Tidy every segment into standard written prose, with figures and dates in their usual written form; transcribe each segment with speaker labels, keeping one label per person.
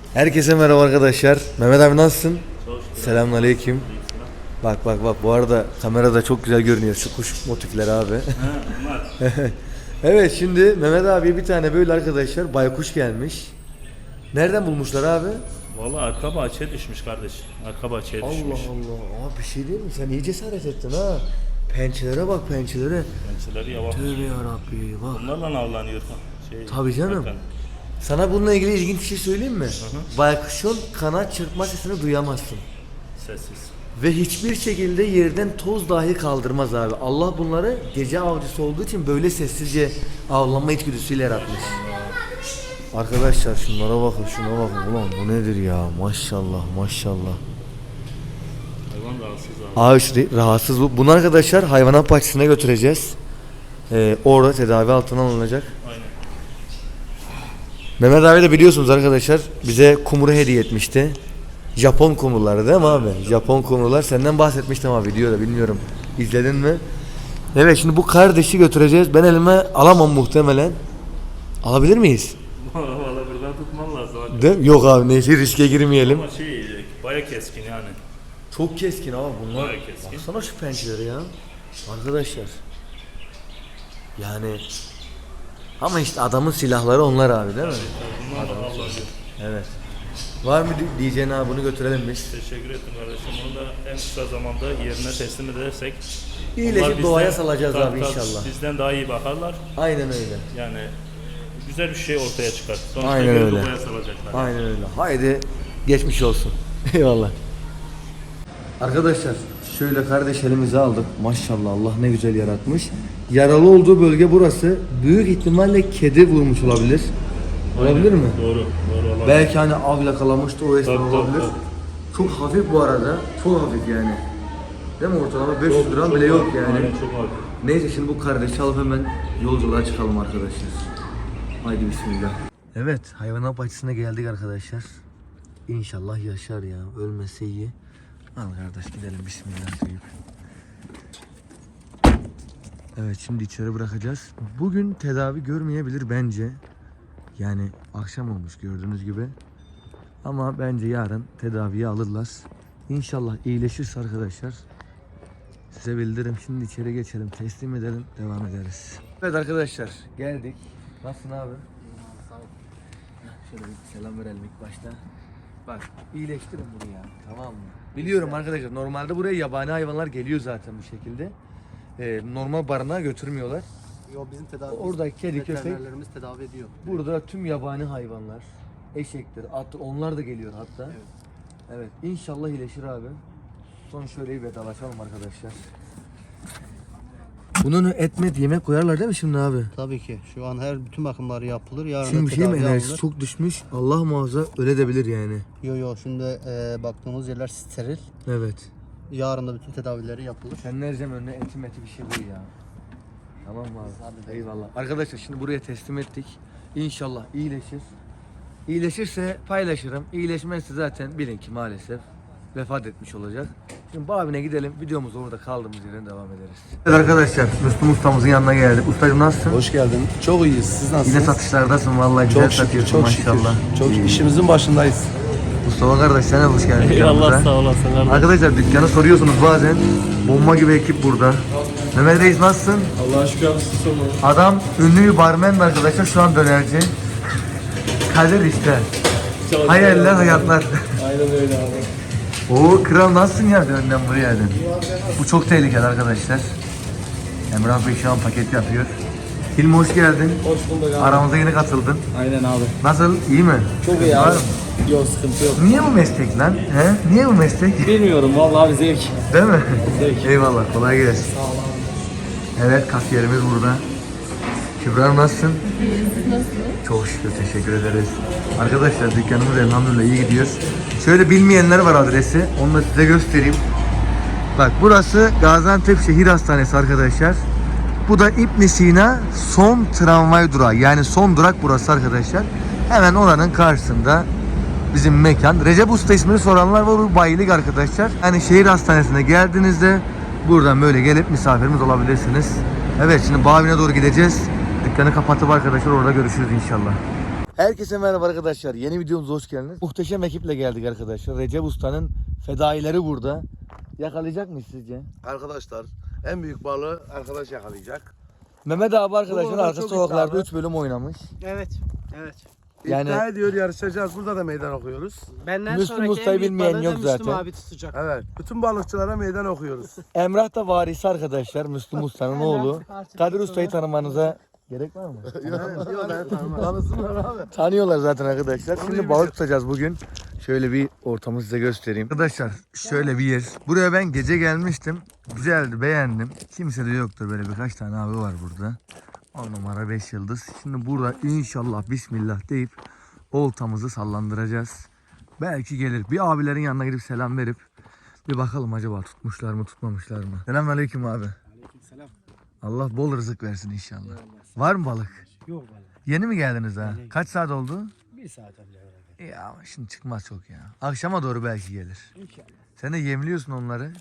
Speaker 1: Herkese merhaba arkadaşlar. Mehmet abi nasılsın? Selamünaleyküm. Bak bu arada kamerada çok güzel görünüyor şu kuş motifleri abi. Evet, şimdi Mehmet abi bir tane böyle arkadaşlar baykuş gelmiş. Nereden bulmuşlar abi?
Speaker 2: Vallahi arka bahçeye düşmüş kardeş. Arka bahçeye düşmüş.
Speaker 1: Allah Allah. Abi bir şey değil mi? Sen iyi cesaret ettin ha. Pençelere bak, pençelere.
Speaker 2: Pençeleri yavaş.
Speaker 1: Tövbe yarabbi bak.
Speaker 2: Bunlarla avlanıyor.
Speaker 1: Tabii canım. Sana bununla ilgili ilginç bir şey söyleyeyim mi? Baykuşun kanat çırpma sesini duyamazsın.
Speaker 2: Sessiz.
Speaker 1: Ve hiçbir şekilde yerden toz dahi kaldırmaz abi. Allah bunları gece avcısı olduğu için böyle sessizce avlanma içgüdüsüyle yaratmış. Arkadaşlar şunlara bakın, şuna bakın. Ulan bu nedir ya? Maşallah maşallah.
Speaker 2: Hayvan rahatsız abi.
Speaker 1: Rahatsız bu. Bunu arkadaşlar hayvanat bahçesine götüreceğiz. Orada tedavi altına alınacak.
Speaker 2: Aynen.
Speaker 1: Mehmet abi de biliyorsunuz arkadaşlar bize kumru hediye etmişti. Japon kumruları değil mi abi? Japon kumrular. Senden bahsetmiştim abi videoda, bilmiyorum. İzledin mi? Evet, şimdi bu kardeşi götüreceğiz. Ben elime alamam muhtemelen. Alabilir miyiz?
Speaker 2: Valla buradan tutman lazım.
Speaker 1: Değil mi? Yok abi, neyse riske girmeyelim.
Speaker 2: Ama baya keskin yani.
Speaker 1: Çok keskin abi bunlar.
Speaker 2: Bayağı keskin.
Speaker 1: Baksana şu pençeleri ya. Arkadaşlar. Yani ama işte adamın silahları onlar abi değil mi?
Speaker 2: Bunlarla avlanıyor.
Speaker 1: Evet. Var mı diyeceğin abi, bunu götürelim biz.
Speaker 2: Teşekkür ettim kardeşim. Bunu da en kısa zamanda yerine teslim edersek
Speaker 1: İyileşip doğaya salacağız abi inşallah.
Speaker 2: Bizden daha iyi bakarlar.
Speaker 1: Aynen öyle.
Speaker 2: Yani güzel bir şey ortaya çıkar. Sonuçta
Speaker 1: Aynen öyle.
Speaker 2: doğaya salacaklar.
Speaker 1: Aynen öyle. Haydi geçmiş olsun. Eyvallah. Arkadaşlar şöyle kardeş elimize aldık. Maşallah Allah ne güzel yaratmış. Yaralı olduğu bölge burası. Büyük ihtimalle kedi vurmuş olabilir. Olabilir mi?
Speaker 2: Doğru. Doğru olabilir.
Speaker 1: Belki hani av yakalamıştı, o esnaf
Speaker 2: Tabii,
Speaker 1: olabilir.
Speaker 2: tabii.
Speaker 1: Çok hafif bu arada. Çok hafif yani. Değil mi, ortalama 500 gram bile yok yani.
Speaker 2: Aynen, çok hafif.
Speaker 1: Neyse şimdi bu kardeşi alıp hemen yolculuğa çıkalım arkadaşlar. Haydi bismillah. Evet, hayvanat bahçesine geldik arkadaşlar. İnşallah yaşar ya, ölmese iyi. Al kardeş gidelim, bismillah deyip. Evet, şimdi içeri bırakacağız. Bugün tedavi görmeyebilir bence. Yani akşam olmuş gördüğünüz gibi. Ama bence yarın tedaviye alırlar. İnşallah iyileşirse arkadaşlar size bildiririm. Şimdi içeri geçelim, teslim edelim, devam ederiz. Evet arkadaşlar, geldik. Nasılsın abi? Sağ ol. Şöyle bir selam verelim ilk başta. Bak, iyileştirin bunu ya, tamam mı? Biliyorum arkadaşlar, normalde buraya yabani hayvanlar geliyor zaten bu şekilde. Normal barınağa götürmüyorlar.
Speaker 3: Yo, bizim tedavi
Speaker 1: Orada kedi, köpek.
Speaker 3: veterinerlerimiz tedavi ediyor.
Speaker 1: Burada tüm yabani hayvanlar, eşektir, attır, onlar da geliyor hatta. Evet, inşallah iyileşir abi. Son şöyle bir vedalaşalım arkadaşlar. Bunun etmet yemek koyarlar değil mi şimdi abi?
Speaker 3: Tabii ki. Şu an bütün bakımları yapılır. Yarın
Speaker 1: Şimdi bir şey mi,
Speaker 3: tedavi
Speaker 1: enerjisi
Speaker 3: alınır.
Speaker 1: çok düşmüş. Allah muhafaza öyle de bilir yani.
Speaker 3: Yo şimdi baktığımız yerler steril.
Speaker 1: Evet.
Speaker 3: Yarın da bütün tedavileri yapılır.
Speaker 1: Sen nereden önüne eti bir şey koy ya. Tamam mı abi? Eyvallah. Arkadaşlar şimdi buraya teslim ettik. İnşallah iyileşir. İyileşirse paylaşırım. İyileşmezse zaten bilin ki maalesef vefat etmiş olacak. Şimdi bu abine gidelim. Videomuz orada kaldığımız yerden devam ederiz. Evet arkadaşlar, Müslüm ustamızın yanına geldik. Ustacığım nasılsın?
Speaker 4: Hoş geldin. Çok iyiyiz. Siz nasılsınız?
Speaker 1: Yine satışlardasın vallahi, güzel
Speaker 4: Çok şükür,
Speaker 1: satıyorsun
Speaker 4: çok şükür.
Speaker 1: maşallah.
Speaker 4: Çok
Speaker 1: İyi.
Speaker 4: işimizin başındayız.
Speaker 1: Mustafa kardeş sen de hoş geldin.
Speaker 2: Eyvallah, sağ olasın kardeşim.
Speaker 1: Arkadaşlar dükkanı soruyorsunuz bazen. Bomba gibi ekip burada. Mehmet Reis nasılsın?
Speaker 4: Allah'a şükür abi, siz sorun.
Speaker 1: Adam ünlü bir barmen arkadaşlar, şu an dönerci. Kader işte. Hayaller hayatlar.
Speaker 4: Aynen öyle abi.
Speaker 1: Oo kral nasılsın ya, önden buraya geldin. Bu çok tehlikeli arkadaşlar. Emrah Bey şu an paket yapıyor. Hilmi hoş geldin.
Speaker 4: Hoş bulduk abi.
Speaker 1: Aramıza yeni katıldın.
Speaker 4: Aynen abi.
Speaker 1: Nasıl, iyi mi?
Speaker 4: Çok iyi
Speaker 1: Var
Speaker 4: abi.
Speaker 1: mı?
Speaker 4: Yok, sıkıntı yok.
Speaker 1: Niye bu meslek lan? He? Niye bu meslek?
Speaker 4: Bilmiyorum vallahi abi, zevk.
Speaker 1: Değil mi?
Speaker 4: Zevk.
Speaker 1: Eyvallah, kolay gelsin.
Speaker 4: Sağ ol abi.
Speaker 1: Evet, kasiyerimiz burada. Kübra Hanım nasılsın? Çok şükür, teşekkür ederiz. Arkadaşlar dükkanımız elhamdülillah iyi gidiyor. Şöyle bilmeyenler var adresi, onu da size göstereyim. Bak burası Gaziantep Şehir Hastanesi arkadaşlar. Bu da İbn Sina son tramvay durağı, yani son durak burası arkadaşlar. Hemen oranın karşısında bizim mekan. Recep Usta ismini soranlar var, bu bayilik arkadaşlar. Yani şehir hastanesine geldiğinizde buradan böyle gelip misafirimiz olabilirsiniz. Evet, şimdi Bavi'ne doğru gideceğiz. Dükkanı kapatıp arkadaşlar orada görüşürüz inşallah. Herkese merhaba arkadaşlar. Yeni videomuza hoş geldiniz. Muhteşem ekiple geldik arkadaşlar. Recep Usta'nın fedaileri burada. Yakalayacak mıyız sizce?
Speaker 5: Arkadaşlar en büyük balığı arkadaş yakalayacak.
Speaker 1: Mehmet abi arkadaşlar
Speaker 5: arada
Speaker 1: arka
Speaker 5: çok
Speaker 1: sokaklarda
Speaker 5: iddialı.
Speaker 1: 3 bölüm oynamış.
Speaker 3: Evet. Evet.
Speaker 1: Yani-
Speaker 5: İddia ediyor yarışacağız. Burada da meydan okuyoruz.
Speaker 3: Benden
Speaker 1: Müslüm
Speaker 3: sonraki
Speaker 1: Usta'yı
Speaker 3: en büyük
Speaker 1: bilmeyen
Speaker 3: balığı
Speaker 1: yok
Speaker 3: da Müslüm
Speaker 1: zaten.
Speaker 3: abi tutacak.
Speaker 5: Evet. Bütün balıkçılara meydan okuyoruz.
Speaker 1: Emrah da varisi arkadaşlar. Müslüm Usta'nın oğlu. Kadir Usta'yı tanımanıza gerek var mı?
Speaker 5: Yok ben tanımam. Tanısınlar abi.
Speaker 1: Tanıyorlar zaten arkadaşlar.
Speaker 5: Onu
Speaker 1: Şimdi
Speaker 5: iyi
Speaker 1: balık tutacağız bugün. Şöyle bir ortamı size göstereyim. Arkadaşlar şöyle bir yer. Buraya ben gece gelmiştim. Güzeldi, beğendim. Kimse de yoktur, böyle birkaç tane abi var burada. 10 numara 5 yıldız. Şimdi burada inşallah bismillah deyip oltamızı sallandıracağız. Belki gelir. Bir abilerin yanına gidip selam verip bir bakalım acaba tutmuşlar mı tutmamışlar mı? Selamünaleyküm abi.
Speaker 3: Aleykümselam.
Speaker 1: Allah bol rızık versin inşallah. Var mı balık?
Speaker 3: Yok vallahi.
Speaker 1: Yeni mi geldiniz ha? Kaç saat oldu?
Speaker 3: Bir saat önce beraber.
Speaker 1: Ya ama şimdi çıkmaz çok ya. Akşama doğru belki gelir.
Speaker 3: İnşallah.
Speaker 1: Sen de yemliyorsun onları.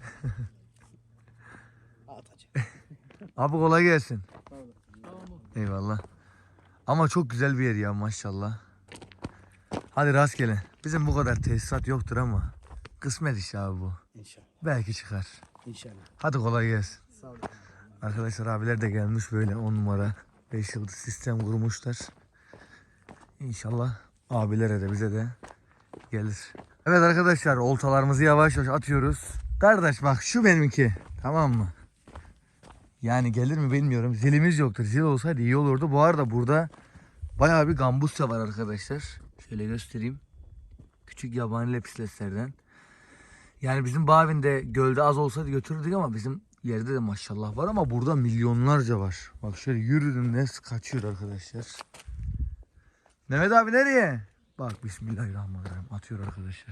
Speaker 3: Atacak.
Speaker 1: Abi kolay gelsin. Eyvallah. Ama çok güzel bir yer ya maşallah. Hadi rastgele. Bizim bu kadar tesisat yoktur ama kısmet işi abi bu.
Speaker 3: İnşallah.
Speaker 1: Belki çıkar.
Speaker 3: İnşallah.
Speaker 1: Hadi kolay gelsin.
Speaker 3: Sağ olun.
Speaker 1: Arkadaşlar abiler de gelmiş böyle 10 numara 5 yıldız sistem kurmuşlar. İnşallah abilere de bize de gelir. Evet arkadaşlar oltalarımızı yavaş yavaş atıyoruz. Kardeş bak şu benimki, tamam mı? Yani gelir mi bilmiyorum. Zilimiz yoktur. Zil olsaydı iyi olurdu. Bu arada burada bayağı bir gambusya var arkadaşlar. Şöyle göstereyim. Küçük yabani lepisleslerden. Yani bizim Bavin'de gölde az olsaydı götürürdük ama bizim yerde de maşallah var ama burada milyonlarca var. Bak şöyle yürüdüm nes kaçıyor arkadaşlar. Mehmet abi nereye? Bak bismillahirrahmanirrahim atıyor arkadaşlar.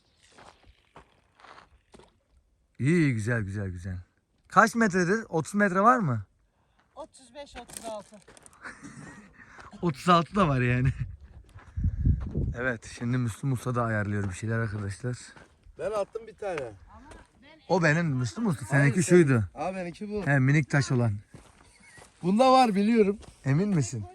Speaker 1: İyi güzel güzel güzel. Kaç metredir? 30 metre var mı?
Speaker 6: 35-36.
Speaker 1: 36 da var yani. Evet şimdi Müslüm Usta da ayarlıyor bir şeyler arkadaşlar.
Speaker 5: Ben attım bir tane.
Speaker 1: O benim Müslüm Usta. Seninki
Speaker 5: Hayır,
Speaker 1: şuydu.
Speaker 5: Abi benimki bu.
Speaker 1: He minik taş olan.
Speaker 5: Bunda var biliyorum.
Speaker 1: Emin misin?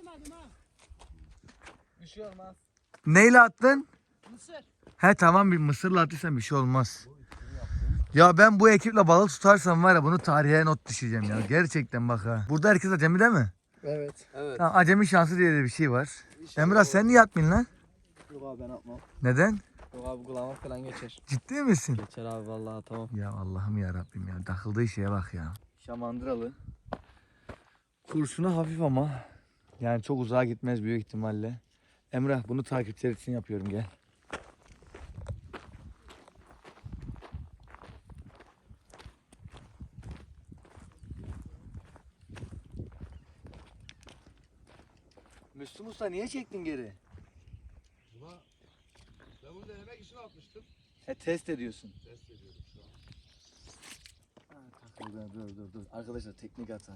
Speaker 6: Bir şey olmaz.
Speaker 1: Neyle attın?
Speaker 6: Mısır.
Speaker 1: He tamam bir mısırla attıysan bir şey olmaz. Ya ben bu ekiple balık tutarsam var ya bunu tarihe not düşeceğim ya. Gerçekten bak ha. Burada herkes acemi değil mi?
Speaker 3: Evet. Evet.
Speaker 1: Tamam, acemi şansı diye de bir şey var. Emrah sen niye atmayın lan?
Speaker 4: Yok abi ben atmam.
Speaker 1: Neden?
Speaker 4: Yok abi kulağıma falan geçer.
Speaker 1: Ciddi misin?
Speaker 4: Geçer abi vallahi tamam.
Speaker 1: Ya Allah'ım ya Rabbim ya. Takıldığı şeye bak ya. Şamandıralı. Kurşunu hafif ama yani çok uzağa gitmez büyük ihtimalle. Emrah bunu takipçiler için yapıyorum gel. Müslüm Usta niye çektin geri?
Speaker 5: Ben bunu denemek için atmıştım.
Speaker 1: He test ediyorsun.
Speaker 5: Test ediyorum şu an.
Speaker 1: Dur. Arkadaşlar teknik hata.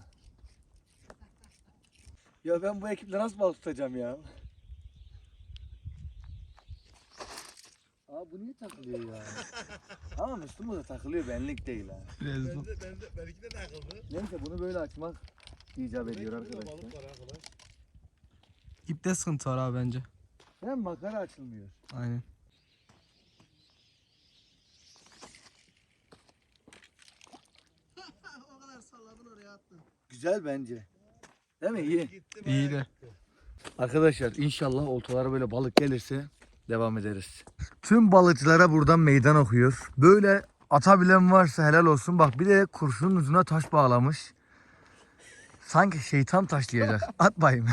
Speaker 1: Ya ben bu ekiple nasıl balık tutacağım ya? Aa bu niye takılıyor ya? Ama Müslüm da takılıyor benlik değil ha.
Speaker 5: Benimki de takıldı.
Speaker 1: Neyse bunu böyle açmak icap ediyor arkadaşlar.
Speaker 5: Balık var arkadaş.
Speaker 4: İpte sıkıntı var abi bence.
Speaker 1: Hem makara açılmıyor.
Speaker 4: Aynen.
Speaker 3: O kadar salladın oraya attın.
Speaker 1: Güzel bence. Değil mi? İyi.
Speaker 4: İyi de.
Speaker 1: Arkadaşlar inşallah oltalara böyle balık gelirse devam ederiz. Tüm balıkçılara buradan meydan okuyor. Böyle atabilen varsa helal olsun. Bak bir de kurşunun ucuna taş bağlamış. Sanki şeytan taşlayacak. At bayım.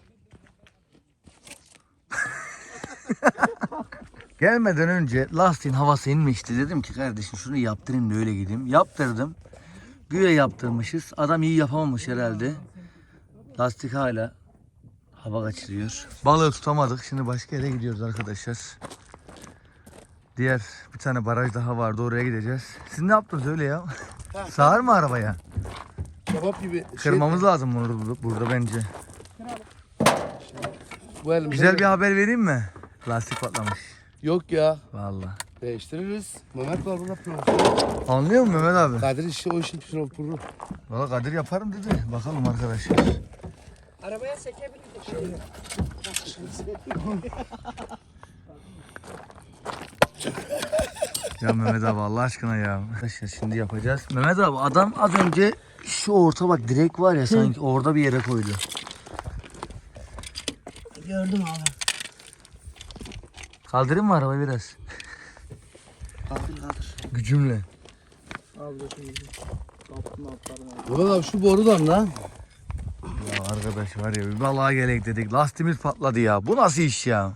Speaker 1: Gelmeden önce lastiğin havası inmişti. Dedim ki kardeşim şunu yaptırayım da öyle gideyim. Yaptırdım. Güya yaptırmışız. Adam iyi yapamamış herhalde. Lastik hala hava kaçırıyor. Balığı tutamadık. Şimdi başka yere gidiyoruz arkadaşlar. Diğer bir tane baraj daha vardı. Oraya gideceğiz. Siz ne yaptınız öyle ya? Sağır mı arabaya?
Speaker 5: Kebap gibi.
Speaker 1: Kırmamız lazım bunu burada bence.
Speaker 5: Bu elimde
Speaker 1: Güzel bir haber vereyim mi? Lastik patlamış.
Speaker 5: Yok ya.
Speaker 1: Vallahi.
Speaker 5: Değiştiririz. Mehmet var burada profesör.
Speaker 1: Anlıyor musun Mehmet abi?
Speaker 5: Kadir işi o işin profesörü.
Speaker 1: Valla Kadir yaparım dedi. Bakalım arkadaşlar.
Speaker 6: Arabaya sekebilirdik.
Speaker 1: Ya Mehmet abi Allah aşkına ya. Arkadaşlar şimdi yapacağız. Mehmet abi adam az önce şu orta bak direk var ya sanki orada bir yere koydu.
Speaker 3: Gördüm abi.
Speaker 1: Kaldırayım mı arabayı biraz?
Speaker 3: Kaldır.
Speaker 1: Gücümle.
Speaker 4: Abi de şimdi. Kaptım atlarım abi.
Speaker 5: Murat abi şu borudan lan.
Speaker 1: Ya arkadaş var ya bir balığa gerek dedik. Lastiğimiz patladı ya. Bu nasıl iş ya?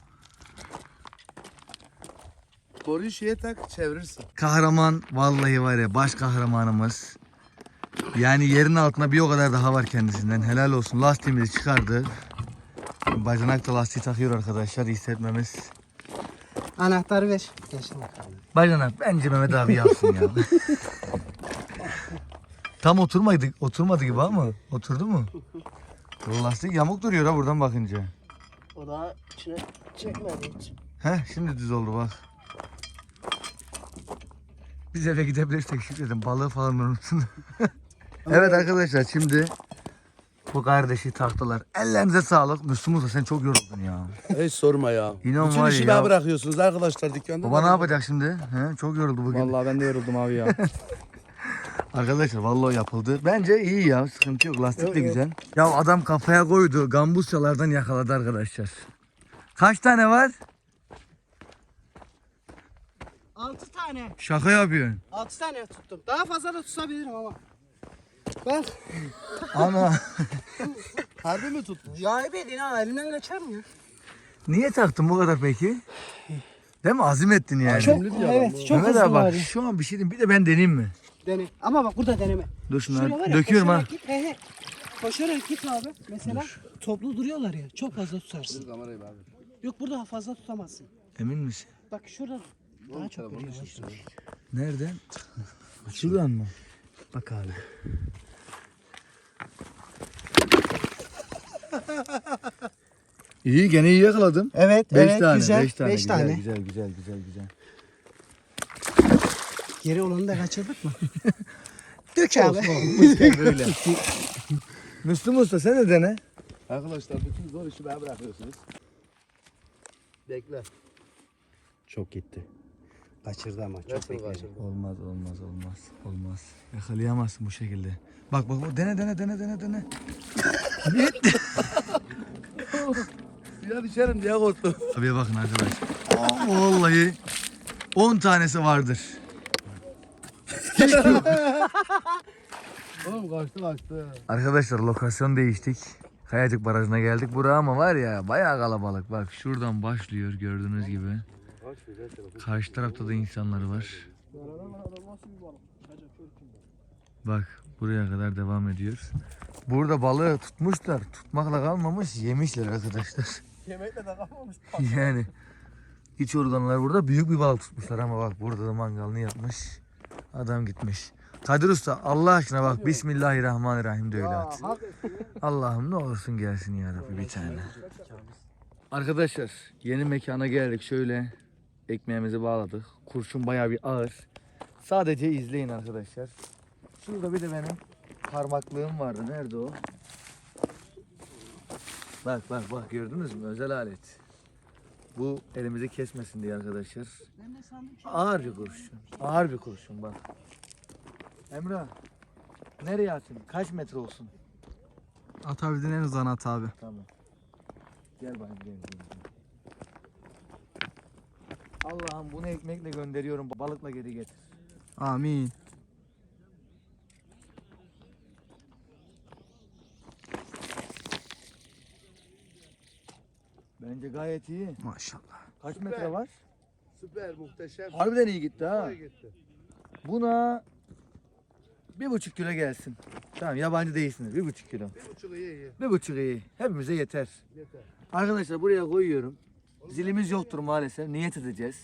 Speaker 5: Boruyu şeye tak çevirirsin.
Speaker 1: Kahraman vallahi var ya baş kahramanımız. Yani yerin altında bir o kadar daha var kendisinden. Helal olsun. Lastiğimizi çıkardı. Bacanak da lastiği takıyor arkadaşlar. Hissetmemiz.
Speaker 3: Anahtarı ver. Geçtim bakalım.
Speaker 1: Bacanak bence Mehmet abi yapsın ya. Tam oturmadı gibi ama oturdu mu? Lastik yamuk duruyor ha buradan bakınca.
Speaker 3: O daha içine çekmedi hiç.
Speaker 1: Heh şimdi düz oldu bak. Biz eve gidebilirsek şükredin balığı falan unutsun. Evet arkadaşlar şimdi bu kardeşi taktılar. Ellerinize sağlık. Müslüm Usta sen çok yoruldun ya.
Speaker 5: Hiç sorma ya.
Speaker 1: İnan
Speaker 5: Bütün
Speaker 1: var
Speaker 5: işi
Speaker 1: ya.
Speaker 5: bana bırakıyorsunuz arkadaşlar dükkanda.
Speaker 1: Baba ne yapacak şimdi? He, çok yoruldu bugün.
Speaker 4: Vallahi ben de yoruldum abi ya.
Speaker 1: Arkadaşlar vallahi yapıldı. Bence iyi ya. Sıkıntı yok. Lastik de güzel. Ya adam kafaya koydu. Gambusyalardan yakaladı arkadaşlar. Kaç tane var?
Speaker 3: 6 tane.
Speaker 1: Şaka yapıyorsun.
Speaker 3: 6 tane tuttum. Daha fazla da tutabilirim ama. Bak.
Speaker 1: Ana.
Speaker 5: Harbi mi tuttun?
Speaker 3: Ya ebedin ha elimden kaçar mı ya?
Speaker 1: Niye taktın bu kadar peki? Değil mi? Azim ettin yani.
Speaker 3: Çok evet çok
Speaker 1: Mehmet
Speaker 3: hızlı
Speaker 1: abi bak
Speaker 3: var.
Speaker 1: şu an bir şey diyeyim. Bir de ben deneyeyim mi?
Speaker 3: Dene. Ama bak burada deneme.
Speaker 1: Dur
Speaker 3: Şuraya var
Speaker 1: şunları
Speaker 3: ya,
Speaker 1: döküyorum ha.
Speaker 3: koşarak git, he. Koşarak git abi. Mesela toplu duruyorlar ya. Çok fazla tutarsın.
Speaker 5: Kamerayı abi.
Speaker 3: Yok burada fazla tutamazsın.
Speaker 1: Emin misin?
Speaker 3: Bak şurada daha çok duruyor.
Speaker 1: Nereden? Şuradan mı? Bak abi. İyi gene iyi yakaladım.
Speaker 3: Evet,
Speaker 1: 5
Speaker 3: evet
Speaker 1: tane,
Speaker 3: güzel.
Speaker 1: 5 tane.
Speaker 3: 5 tane.
Speaker 1: Güzel.
Speaker 3: Geri olanı da kaçırdık mı? Dök abi.
Speaker 1: Böyle. Müslüm Usta sen de dene.
Speaker 5: Arkadaşlar bütün zor işi bana bırakıyorsunuz. Bekle.
Speaker 3: Çok gitti. Kaçırdı ama çok
Speaker 5: Nasıl
Speaker 3: bekledi.
Speaker 5: kaçırdın?
Speaker 1: Olmaz. Yakalayamazsın bu şekilde. Bak dene.
Speaker 5: Suya düşerim diye korktum.
Speaker 1: Abiye bakın arkadaşlar. Vallahi 10 tanesi vardır.
Speaker 5: Oğlum kaçtı.
Speaker 1: Arkadaşlar lokasyon değiştik. Kayacık Barajı'na geldik. Buraya ama var ya bayağı kalabalık. Bak şuradan başlıyor gördüğünüz gibi. Karşı tarafta da insanlar var. Bak buraya kadar devam ediyoruz. Burada balığı tutmuşlar. Tutmakla kalmamış yemişler arkadaşlar.
Speaker 5: Yemekle de kalmamış.
Speaker 1: Yani iç organlar burada büyük bir balık tutmuşlar ama bak burada da mangalını yapmış. Adam gitmiş. Kadir Usta Allah aşkına bak Bismillahirrahmanirrahim de öyle at. Allah'ım ne olursun gelsin ya Rabbi bir tane. Arkadaşlar yeni mekana geldik şöyle ekmeğimizi bağladık. Kurşun bayağı bir ağır. Sadece izleyin arkadaşlar. Şurada bir de benim parmaklığım vardı. Nerede o? Bak gördünüz mü? Özel alet. Bu elimizi kesmesin diye arkadaşlar.
Speaker 3: Ben de sandım ki
Speaker 1: Ağır bir kurşun. Ağır bir kurşun bak. Emrah. Nereye atayım? Kaç metre olsun?
Speaker 4: Atabildiğin en uzan at abi.
Speaker 1: Tamam. Gel bakayım gel. Allah'ım bunu ekmekle gönderiyorum. Balıkla geri getir.
Speaker 4: Amin.
Speaker 1: Bence gayet iyi.
Speaker 4: Maşallah.
Speaker 1: Kaç metre var?
Speaker 5: Süper muhteşem.
Speaker 1: Harbiden iyi gitti ha.
Speaker 5: Süper gitti.
Speaker 1: Buna 1,5 kilo gelsin. Tamam yabancı değilsiniz. 1,5 kilo.
Speaker 5: 1,5 iyi.
Speaker 1: 1,5 iyi. Hepimize yeter.
Speaker 5: Yeter.
Speaker 1: Arkadaşlar buraya koyuyorum. Zilimiz yoktur maalesef. Niyet edeceğiz.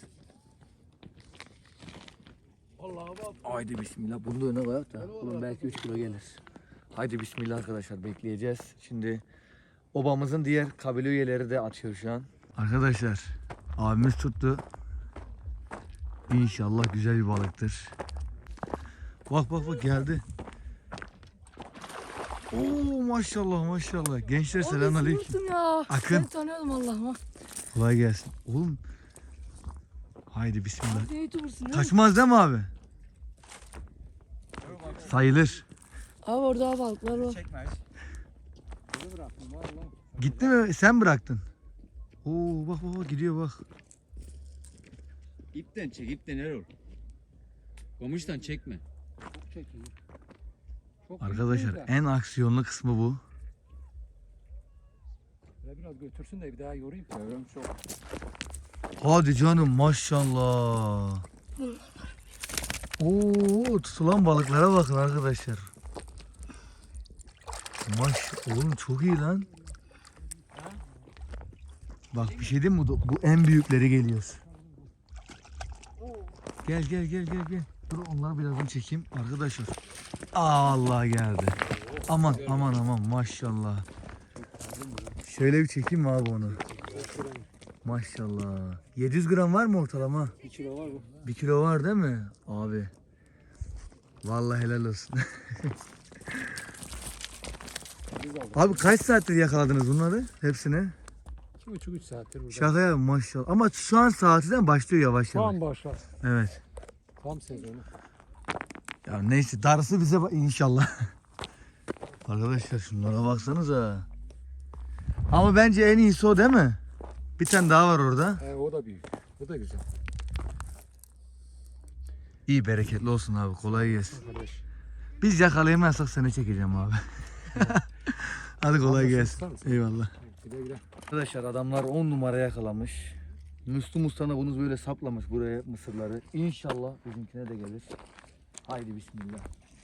Speaker 5: Allah'a bak.
Speaker 1: Haydi bismillah. Bunu da öne koyak da. Bunun belki 3 kilo gelir. Haydi bismillah arkadaşlar bekleyeceğiz. Şimdi obamızın diğer kabile üyeleri de atıyor şu an. Arkadaşlar abimiz tuttu. İnşallah güzel bir balıktır. Bak geldi. Oo maşallah maşallah. Gençler
Speaker 7: Oğlum
Speaker 1: selamünaleyküm.
Speaker 7: unuttum ya.
Speaker 1: Akın.
Speaker 7: Seni tanıyordum Allah'ıma.
Speaker 1: Kolay gelsin. Oğlum. Haydi bismillah.
Speaker 7: Ne YouTuber'sın değil mi?
Speaker 1: Kaçmaz değil mi abi? Sayılır.
Speaker 7: Abi orada abi balıklar var.
Speaker 1: Gitti mi? Sen bıraktın. Oo bak bak gidiyor bak.
Speaker 8: İpten çek, ipten Erol. Kamıştan çekme.
Speaker 4: Çok çekiyor. Çok
Speaker 1: Arkadaşlar
Speaker 4: büyük de.
Speaker 1: en aksiyonlu kısmı bu.
Speaker 4: Ya biraz götürsün de bir daha yorayım. Yorayım çok.
Speaker 1: Hadi canım maşallah. Oo tutulan balıklara bakın arkadaşlar. Oğlum çok iyi lan. Bak bir şey diyeyim mi? Bu en büyükleri geliyor. Gel gel gel gel gel. Dur onları birazdan çekeyim arkadaşlar. Allah geldi. Aman aman aman maşallah. Şöyle bir çekeyim mi abi onu? Maşallah. 700 gram var mı ortalama?
Speaker 4: 1 kilo var bu.
Speaker 1: 1 kilo var değil mi? Abi. Vallahi helal olsun. Abi kaç saattir yakaladınız bunları? Hepsini?
Speaker 4: 2,5-3 saattir burada.
Speaker 1: Şaka ya maşallah. Ama şu an saatinden başlıyor yavaş yavaş.
Speaker 4: Tam başlar.
Speaker 1: Evet.
Speaker 4: Tam sezonu.
Speaker 1: Ya neyse darısı bize inşallah. Arkadaşlar şunlara baksanıza. Ama bence en iyisi o değil mi? Bir tane daha var orada.
Speaker 4: O da büyük. Bu da güzel.
Speaker 1: İyi bereketli olsun abi. Kolay gelsin.
Speaker 4: Arkadaş.
Speaker 1: Biz yakalayamazsak seni çekeceğim abi. Hadi kolay gelsin.
Speaker 4: Tutar mısın?
Speaker 1: Eyvallah.
Speaker 4: Güle güle.
Speaker 1: Arkadaşlar adamlar 10 numara yakalamış. Müslüm Usta'na bunu böyle saplamış buraya mısırları. İnşallah bizimkine de gelir. Haydi bismillah.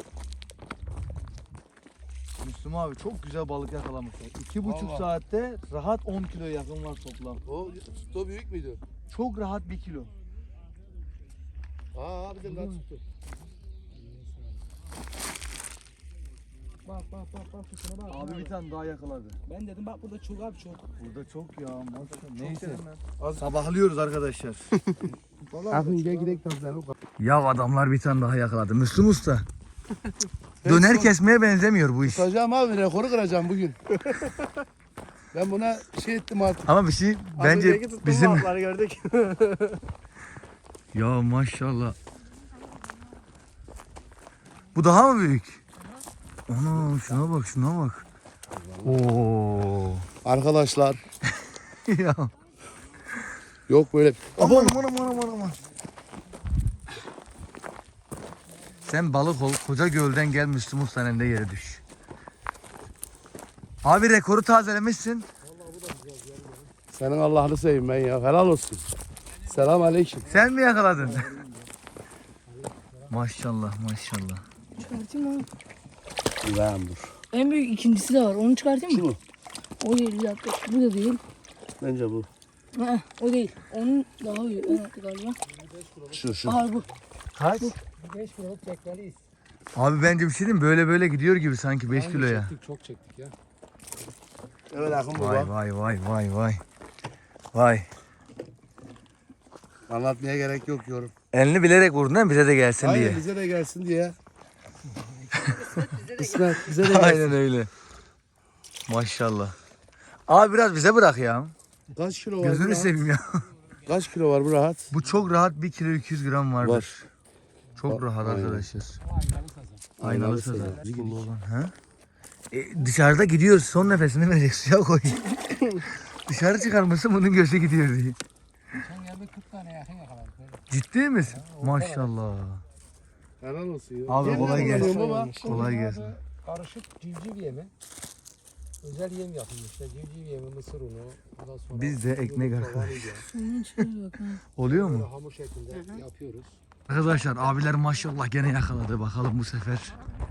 Speaker 1: Müslüm abi çok güzel balık yakalamışlar. 2,5
Speaker 5: Vallahi.
Speaker 1: saatte rahat 10 kilo yakın var toplam.
Speaker 5: O büyük müydü?
Speaker 1: Çok rahat 1 kilo.
Speaker 5: Aa bizim daha tuttu.
Speaker 3: Bak bak bak bak şuna bak.
Speaker 1: Abi bir tane daha yakaladı.
Speaker 3: Ben dedim bak burada çok abi çok.
Speaker 1: Burada çok ya maşallah. Neyse.
Speaker 5: Az-
Speaker 1: Sabahlıyoruz arkadaşlar.
Speaker 5: Akın gel gidelim tabii.
Speaker 1: Ya adamlar bir tane daha yakaladı. Müslüm Usta. Döner kesmeye benzemiyor bu iş.
Speaker 5: Tutacağım abi rekoru kıracağım bugün. Ben buna şey ettim artık.
Speaker 1: Ama bir şey bence bizim
Speaker 4: gördük.
Speaker 1: ya maşallah. Bu daha mı büyük? Ana şuna bak şuna bak. Oo.
Speaker 5: Arkadaşlar
Speaker 1: Ya.
Speaker 5: yok böyle.
Speaker 1: Aman aman aman aman aman. Sen balık ol, koca gölden gel Müslüm Usta'nın elinde yere düş. Abi rekoru tazelemişsin.
Speaker 5: Senin Allah'ını seveyim ben ya. Helal olsun. Selam aleyküm.
Speaker 1: Sen mi yakaladın? Maşallah maşallah.
Speaker 7: Çıkartayım mı?
Speaker 5: Ben dur.
Speaker 7: En büyük ikincisi de var. Onu çıkartayım mı?
Speaker 5: Şu mu?
Speaker 7: O değil bir dakika. Bu da değil.
Speaker 5: Bence bu.
Speaker 7: O değil. Onun daha büyük galiba.
Speaker 5: Şu.
Speaker 7: Aha bu.
Speaker 1: Kaç?
Speaker 4: 5 kiloluk çekmeliyiz.
Speaker 1: Abi bence bir şey diyeyim mi? Böyle böyle gidiyor gibi sanki 5 kiloya.
Speaker 4: Çektik, çok çektik ya.
Speaker 5: Evet Akın
Speaker 1: Vay
Speaker 5: baba.
Speaker 1: vay vay vay vay. Vay.
Speaker 5: Anlatmaya gerek yok yorum.
Speaker 1: Elini bilerek vurdun değil mi? Bize de gelsin
Speaker 5: Aynen
Speaker 1: diye.
Speaker 5: bize de gelsin diye. İsmet bize de gelsin.
Speaker 1: Aynen öyle. Maşallah. Abi biraz bize bırak ya.
Speaker 5: Kaç kilo var bu
Speaker 1: Gözünü
Speaker 5: rahat?
Speaker 1: seveyim ya.
Speaker 5: Kaç kilo var bu rahat?
Speaker 1: Bu çok rahat 1 kilo 200 gram vardır.
Speaker 5: Var.
Speaker 1: Çok
Speaker 5: Var,
Speaker 1: rahat
Speaker 5: aynen.
Speaker 1: arkadaşlar.
Speaker 5: Aynalı
Speaker 1: Aynalı
Speaker 5: sazan.
Speaker 1: sazan. Pullu olan. Ha? Dışarıda gidiyoruz. Son nefesini verecek. Suya koy. Dışarı çıkarmasın bunun gözü gidiyor diye.
Speaker 4: Sen geldi 40 tane yakın yakaladık.
Speaker 1: Ciddi misin? Maşallah.
Speaker 5: Helal olsun ya.
Speaker 1: Abi
Speaker 5: Yem
Speaker 1: kolay
Speaker 5: ne
Speaker 1: gelsin.
Speaker 5: kullanıyorsun baba?
Speaker 1: Kolay gelsin.
Speaker 4: Karışık civciv yemi. Özel yem yapılmışlar. Civciv yemi, mısır unu. Ondan sonra
Speaker 1: Biz de ekmek
Speaker 4: yumurta,
Speaker 1: arkadaş.
Speaker 4: vanilya.
Speaker 7: Onun içine bak.
Speaker 1: Oluyor
Speaker 4: Böyle
Speaker 1: mu?
Speaker 4: hamur şeklinde yapıyoruz.
Speaker 1: Arkadaşlar abiler maşallah gene yakaladı. Bakalım bu sefer.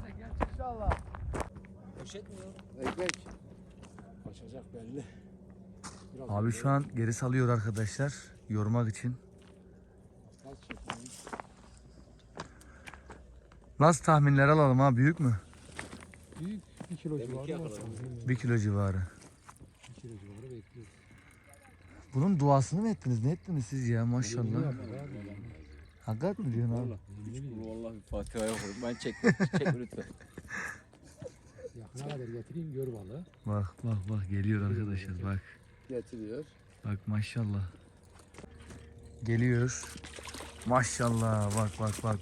Speaker 5: Ekmek.
Speaker 4: Kaçacak belli. Biraz
Speaker 1: Abi şu an geri salıyor arkadaşlar. Yormak için.
Speaker 4: az çekmemiz.
Speaker 1: Nasıl tahminler alalım ha? Büyük mü?
Speaker 4: Büyük 1 kilo civarı var.
Speaker 1: 1 kilo civarı.
Speaker 4: 1 kilo civarı bekliyoruz.
Speaker 1: Bunun duasını mı ettiniz? Ne ettiniz siz ya maşallah? Hakikat mi diyorsun abi?
Speaker 8: Vallahi bir Fatiha'ya okudum. Ben çek lütfen.
Speaker 4: Yakına kadar getireyim gör balığı.
Speaker 1: Bak geliyor arkadaşlar bak.
Speaker 5: Getiriyor.
Speaker 1: Bak maşallah. Geliyor. Maşallah bak.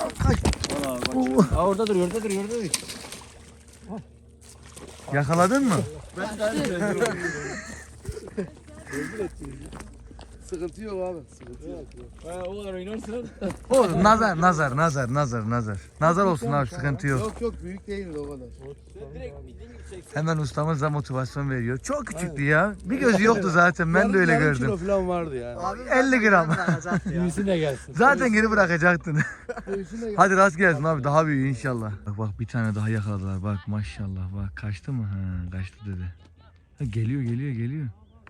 Speaker 4: Orada duruyor.
Speaker 1: Yakaladın mı?
Speaker 5: Sıkıntı yok abi. Sıkıntı yok.
Speaker 8: O kadar oynarsın.
Speaker 1: Oğlum nazar. Nazar olsun abi sıkıntı yok.
Speaker 5: Yok büyük değil o kadar.
Speaker 1: Hemen ustamız da motivasyon veriyor. Çok küçüktü ya. Bir gözü yoktu zaten ben de öyle
Speaker 5: Yarım
Speaker 1: gördüm.
Speaker 5: kilo falan vardı yani.
Speaker 1: 50 gram.
Speaker 4: Büyüsün de gelsin.
Speaker 1: Zaten geri bırakacaktın.
Speaker 5: Göğsüne gel.
Speaker 1: Hadi rast gelsin abi daha büyüğü inşallah. Bak bir tane daha yakaladılar bak maşallah bak kaçtı mı? Ha kaçtı dedi. Ha, geliyor.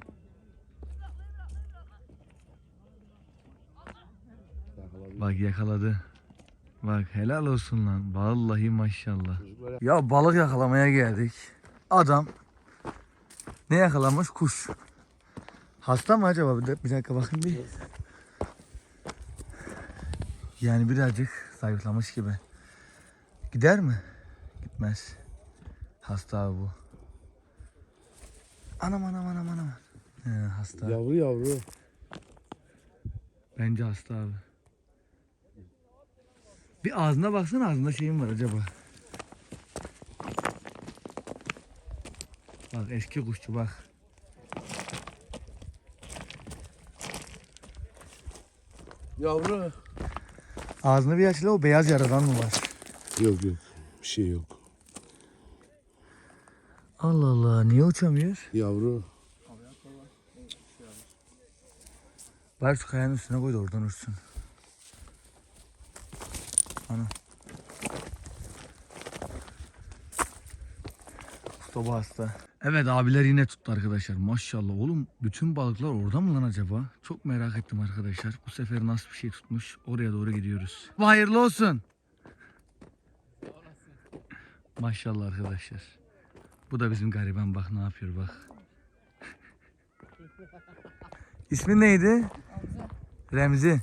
Speaker 1: Bak yakaladı. Bak helal olsun lan. Vallahi maşallah. Ya balık yakalamaya geldik. Adam ne yakalamış? Kuş. Hasta mı acaba? Bir dakika bakın bir. Yani birazcık zayıflamış gibi. Gider mi? Gitmez. Hasta abi bu. Anam. Hasta.
Speaker 5: Yavru.
Speaker 1: Bence hasta abi. Bir ağzına baksana ağzında şeyim var acaba. Bak eski kuşçu bak.
Speaker 5: Yavru.
Speaker 1: Ağzını bir aç la o beyaz yaradan mı var?
Speaker 5: Yok. Bir şey yok.
Speaker 1: Allah Allah niye uçamıyor?
Speaker 5: Yavru.
Speaker 1: Bari şu kayanın üstüne koy da oradan uçsun. Ana. Usta hasta. Evet abiler yine tuttu arkadaşlar. Maşallah oğlum bütün balıklar orada mı lan acaba? Çok merak ettim arkadaşlar. Bu sefer nasıl bir şey tutmuş? Oraya doğru gidiyoruz. Hayırlı olsun. Maşallah arkadaşlar. Bu da bizim gariban bak ne yapıyor bak. İsmin neydi? Remzi.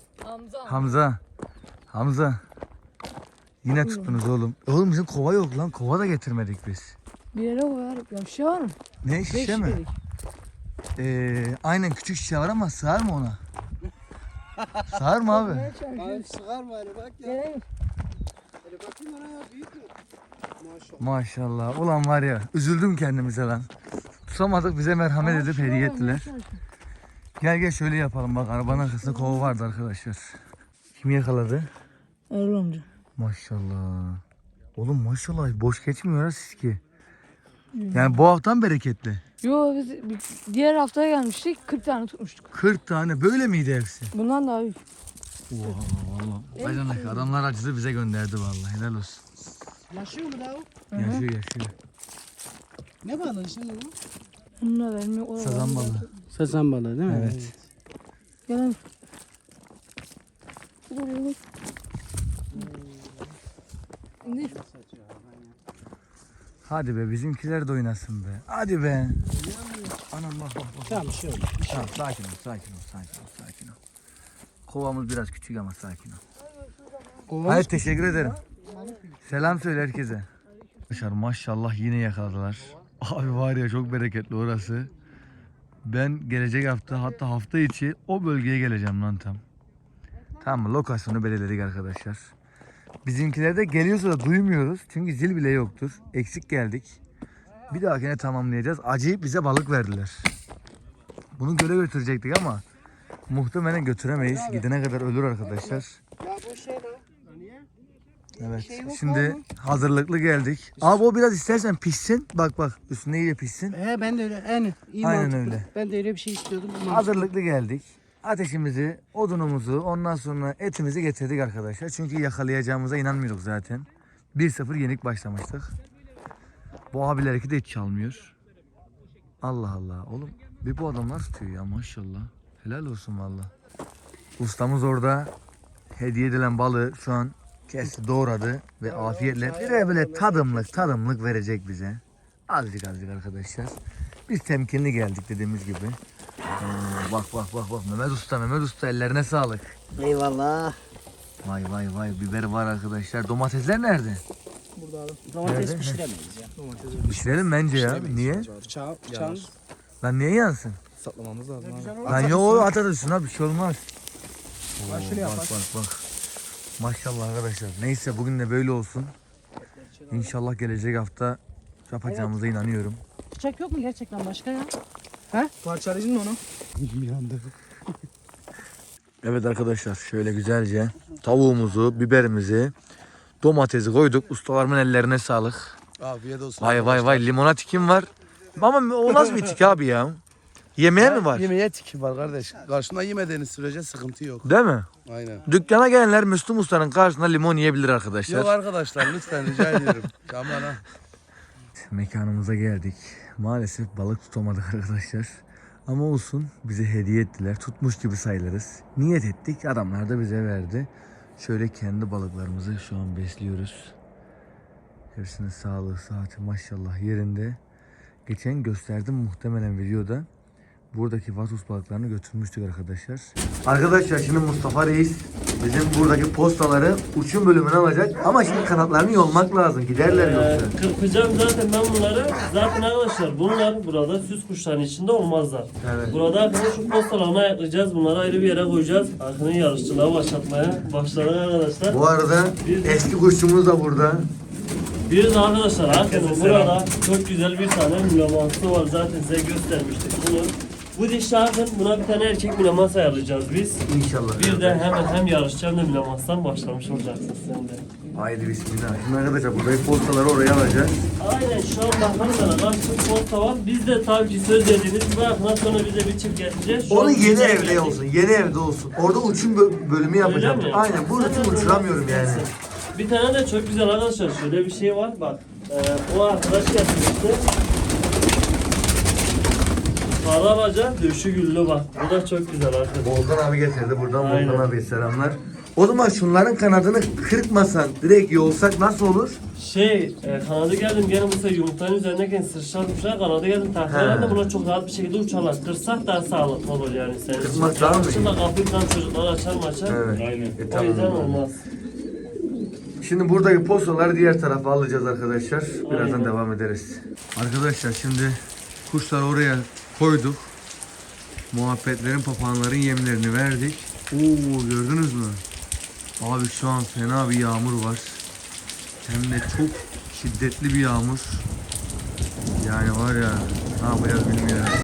Speaker 1: Hamza. Yine tuttunuz oğlum. Oğlum bizim kova yok lan. Kova da getirmedik biz.
Speaker 7: Bir yere koyarım. Ya şişe var mı?
Speaker 1: Ne şişe mi?
Speaker 7: Şişelik.
Speaker 1: Aynen küçük şişe var ama sığar mı ona? Sığar mı abi?
Speaker 3: Abi sıkar mı hani bak ya.
Speaker 7: Geleyim.
Speaker 3: Hadi bakayım bana ya büyük mü? Maşallah.
Speaker 1: Maşallah. Ulan var ya üzüldüm kendimize lan. Tutamadık bize merhamet edip hediye ettiler. Gel şöyle yapalım bak arabanın arkasında kova vardı arkadaşlar. Kim yakaladı?
Speaker 7: Erol amca.
Speaker 1: Maşallah. Oğlum maşallah boş geçmiyor ha siz ki. Yani bu haftan bereketli.
Speaker 7: Yo biz diğer haftaya gelmiştik 40 tane tutmuştuk.
Speaker 1: 40 tane böyle miydi hepsi?
Speaker 7: Bundan daha büyük.
Speaker 1: Oha valla. Bacanak adamlar acısı bize gönderdi vallahi helal olsun.
Speaker 3: Yaşıyor mu daha o?
Speaker 1: Yaşıyor.
Speaker 3: Ne balığı şimdi bu?
Speaker 7: Bununla vermiyor.
Speaker 1: Sazan balığı.
Speaker 3: Sazan balığı değil mi?
Speaker 1: Evet.
Speaker 7: Gelin. İndir.
Speaker 1: Hadi be bizimkiler de oynasın be. Hadi be. Anam bak.
Speaker 3: Tamam şey oldu.
Speaker 1: Tamam sakin ol. Kovamız biraz küçük ama sakin ol. Hayır teşekkür ederim. Selam söyle herkese. Arkadaşlar maşallah yine yakaladılar. Abi var ya çok bereketli orası. Ben gelecek hafta hatta hafta içi o bölgeye geleceğim lan tam. Tamam lokasyonu belirledik arkadaşlar. Bizimkiler de geliyorsa da duymuyoruz. Çünkü zil bile yoktur. Eksik geldik. Bir dahakine tamamlayacağız. Acayip bize balık verdiler. Bunu göle götürecektik ama muhtemelen götüremeyiz. Gidene kadar ölür arkadaşlar.
Speaker 3: Ya bu şey lan. Niye?
Speaker 1: Evet.
Speaker 3: şey yok
Speaker 1: Şimdi
Speaker 3: abi.
Speaker 1: hazırlıklı geldik. Abi o biraz istersen pişsin. Bak üstüne iyice pişsin.
Speaker 3: Ben de öyle. İyi
Speaker 1: Aynen
Speaker 3: mantıklı.
Speaker 1: öyle.
Speaker 3: Ben de öyle bir şey istiyordum. Bu mantıklı.
Speaker 1: Hazırlıklı geldik. Ateşimizi, odunumuzu, ondan sonra etimizi getirdik arkadaşlar. Çünkü yakalayacağımıza inanmıyorduk zaten. 1-0 yenik başlamıştık. Bu abilerki de hiç çalmıyor. Allah Allah. Oğlum bir bu adamlar tutuyor ya maşallah. Helal olsun valla. Ustamız orada hediye edilen balığı şu an kesti, doğradı ve afiyetle bir de böyle tadımlık verecek bize. Azıcık arkadaşlar. Biz temkinli geldik dediğimiz gibi. Bak Mehmet Usta ellerine sağlık.
Speaker 3: Eyvallah.
Speaker 1: Vay biber var arkadaşlar. Domatesler nerede?
Speaker 3: Burada abi.
Speaker 1: Domates
Speaker 3: pişiremeyiz ya.
Speaker 1: Pişirelim bence ya. Niye?
Speaker 3: Bıçağın
Speaker 1: Lan niye yansın?
Speaker 3: saklamamız lazım abi.
Speaker 1: Lan yo atarız bir şey olmaz.
Speaker 3: Bak şunu yap.
Speaker 1: Bak. Maşallah arkadaşlar. Neyse bugün de böyle olsun. İnşallah gelecek hafta yapacağımıza inanıyorum.
Speaker 6: Bıçak yok mu gerçekten başka ya?
Speaker 3: Parçalayıcın mı onu?
Speaker 1: Evet arkadaşlar şöyle güzelce tavuğumuzu, biberimizi, domatesi koyduk. Ustalarımın ellerine sağlık.
Speaker 5: Afiyet olsun.
Speaker 1: Vay limonat kim var? Ama o nasıl bir tik abi ya? Yemeğe mi var?
Speaker 5: Yemeğe tiki var kardeş. Karşında yemediğiniz sürece sıkıntı yok.
Speaker 1: Değil mi?
Speaker 5: Aynen.
Speaker 1: Dükkana gelenler Müslüm Usta'nın karşısında limon yiyebilir arkadaşlar.
Speaker 5: Yok arkadaşlar lütfen rica ediyorum. Aman ha.
Speaker 1: Mekanımıza geldik. Maalesef balık tutamadık arkadaşlar. Ama olsun bize hediye ettiler. Tutmuş gibi sayılırız. Niyet ettik. Adamlar da bize verdi. Şöyle kendi balıklarımızı şu an besliyoruz. Hepsinin sağlığı, saati maşallah yerinde. Geçen gösterdim muhtemelen videoda. Buradaki vatus balıklarını götürmüştük arkadaşlar. Arkadaşlar şimdi Mustafa Reis bizim buradaki postaları uçum bölümüne alacak. Ama şimdi kanatlarını yolmak lazım. Giderler yoksa.
Speaker 9: Kırpacağım zaten ben bunları. Zaten arkadaşlar bunlar burada süs kuşların içinde olmazlar.
Speaker 1: Evet.
Speaker 9: Burada arkadaşlar şu postalarını ayaklayacağız. Bunları ayrı bir yere koyacağız. Arkının yarışçılığa başlatmaya başladık arkadaşlar.
Speaker 1: Bu arada eski kuşçumuz da burada.
Speaker 9: Bir de arkadaşlar Arkının burada çok güzel bir tane mülemansı var. Zaten size göstermiştik bunu. Bu dişi Arkın, buna bir tane erkek mülemans ayarlayacağız biz.
Speaker 1: İnşallah.
Speaker 9: Bir de hem yarışçı hem de mülemanstan başlamış olacaksın sen de.
Speaker 1: Haydi bismillah. Şimdi arkadaşlar buradaki postaları oraya alacağız.
Speaker 9: Aynen şu an bakanlara karşı posta var. Biz de tabii ki söz dediğiniz gibi Arkın'dan sonra bize bir çift getireceğiz. Şu
Speaker 1: Onu
Speaker 9: an
Speaker 1: yeni
Speaker 9: bize
Speaker 1: evde
Speaker 9: gelecek.
Speaker 1: olsun. Yeni evde olsun. Orada uçum bölümü yapacağım.
Speaker 9: Öyle mi?
Speaker 1: Aynen. Burada
Speaker 9: Zaten
Speaker 1: uçuramıyorum yani.
Speaker 9: olmaz. Bir tane de çok güzel arkadaşlar şöyle bir şey var bak. O arkadaş getirmişti. Sarı alaca döşü güllü bak. Bu da çok güzel arkadaşlar.
Speaker 1: Volkan abi getirdi. Buradan
Speaker 9: Aynen.
Speaker 1: Volkan abiye selamlar. O zaman şunların kanadını kırpmasan direkt yolsak nasıl olur?
Speaker 9: Kanadı geldim gene bu sefer yumurtanın üzerindeyken sıçratmışlar kanadı geldim takviyelerle de buna çok rahat bir şekilde uçarlar. Kırsak daha sağlıklı olur yani senin için.
Speaker 1: Kırmak daha mı iyi?
Speaker 9: Şimdi kapıyı falan çocuklar açar maçar.
Speaker 1: Evet.
Speaker 2: Aynen.
Speaker 9: O yüzden olmaz.
Speaker 1: Şimdi buradaki postaları diğer tarafa alacağız arkadaşlar. Birazdan
Speaker 9: Aynen.
Speaker 1: devam ederiz. Arkadaşlar şimdi kuşları oraya koyduk. Muhabbetlerin, papağanların yemlerini verdik. Oo gördünüz mü? Abi şu an fena bir yağmur var. Hem de çok şiddetli bir yağmur. Yani var ya ne yapacağız bilmiyorum.